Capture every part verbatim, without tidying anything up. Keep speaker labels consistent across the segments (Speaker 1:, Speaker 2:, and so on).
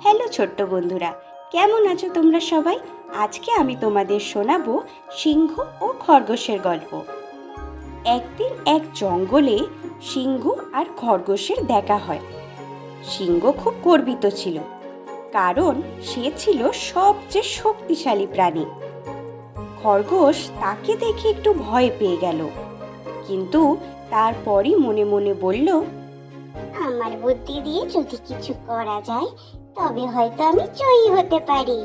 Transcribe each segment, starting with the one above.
Speaker 1: Hello ছোট্ট বন্ধুরা, কেমন আছো তোমরা সবাই? আজকে আমি তোমাদের শোনাবো সিংহ ও খরগোশের গল্প। একদিন এক জঙ্গলে সিংহ আর খরগোশের দেখা হয়। সিংহ খুব গর্বিত ছিল, কারণ সে ছিল সবচেয়ে শক্তিশালী প্রাণী। খরগোশ তাকে দেখে একটু ভয় পেয়ে গেল, কিন্তু তারপরই মনে মনে বলল,
Speaker 2: আমার বুদ্ধি দিয়ে যদি কিছু করা যায় তবে হয়তো আমি জয়ী হতে পারি।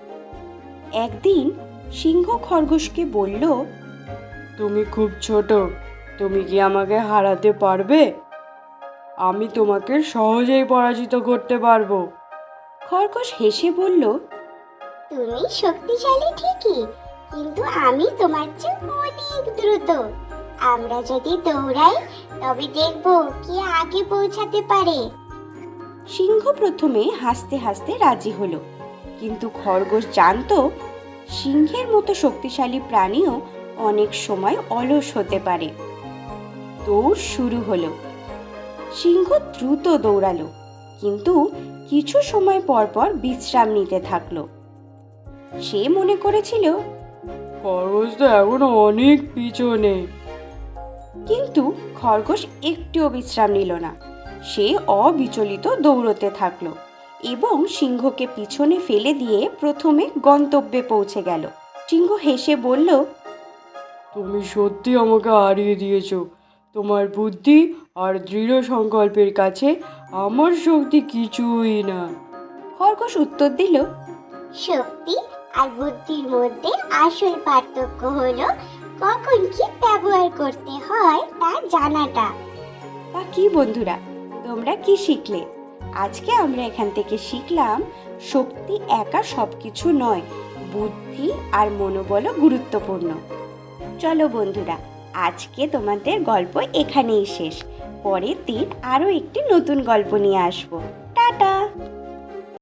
Speaker 1: একদিন সিংহ খরগোশকে বলল,
Speaker 3: তুমি খুব ছোট, তুমি কি আমাকে হারাতে পারবে? আমি তোমাকে সহজেই পরাজিত করতে পারবো।
Speaker 1: খরগোশ হেসে বলল,
Speaker 2: তুমি শক্তিশালী ঠিকই, কিন্তু আমি তোমার চেয়ে অনেক দ্রুত। আমরা যদি দৌড়াই তবে দেখব কে আগে পৌঁছাতে পারে।
Speaker 1: সিংহ প্রথমে হাসতে হাসতে রাজি হলো, কিন্তু খরগোশ জানতো সিংহের মতো শক্তিশালী প্রাণীও অনেক সময় অলস হতে পারে। দৌড় শুরু হলো। সিংহ দ্রুত দৌড়ালো, কিন্তু কিছু সময় পর পর বিশ্রাম নিতে থাকলো। সে মনে করেছিল,
Speaker 3: খরগোশ তো এখনো অনেক পিছনে।
Speaker 1: কিন্তু খরগোশ একটুও বিশ্রাম নিল না। সে অবিচলিত দৌড়তে থাকলো এবং সিংহকে পিছনে ফেলে দিয়ে প্রথমে গন্তব্যে পৌঁছে গেল। সিংহ হেসে বলল,
Speaker 3: তুমি সত্যি আমাকে হারিয়ে দিয়েছো। তোমার বুদ্ধি আর দৃঢ় সংকল্পের কাছে আমার শক্তি কিছুই না।
Speaker 1: খরগোশ উত্তর দিল,
Speaker 2: শক্তি আর বুদ্ধির মধ্যে আসল পার্থক্য হলো কখন কি ব্যবহার করতে হয় তা জানাটা।
Speaker 1: তা কি বন্ধুরা, তোমরা কি শিখলে? আজকে আমরা এখান থেকে শিখলাম শক্তি একা সবকিছু নয়, বুদ্ধি আর মনোবলও গুরুত্বপূর্ণ। চলো বন্ধুরা, আজকে তোমাদের গল্প এখানেই শেষ। পরের দিন আরও একটি নতুন গল্প নিয়ে আসবো। টাটা।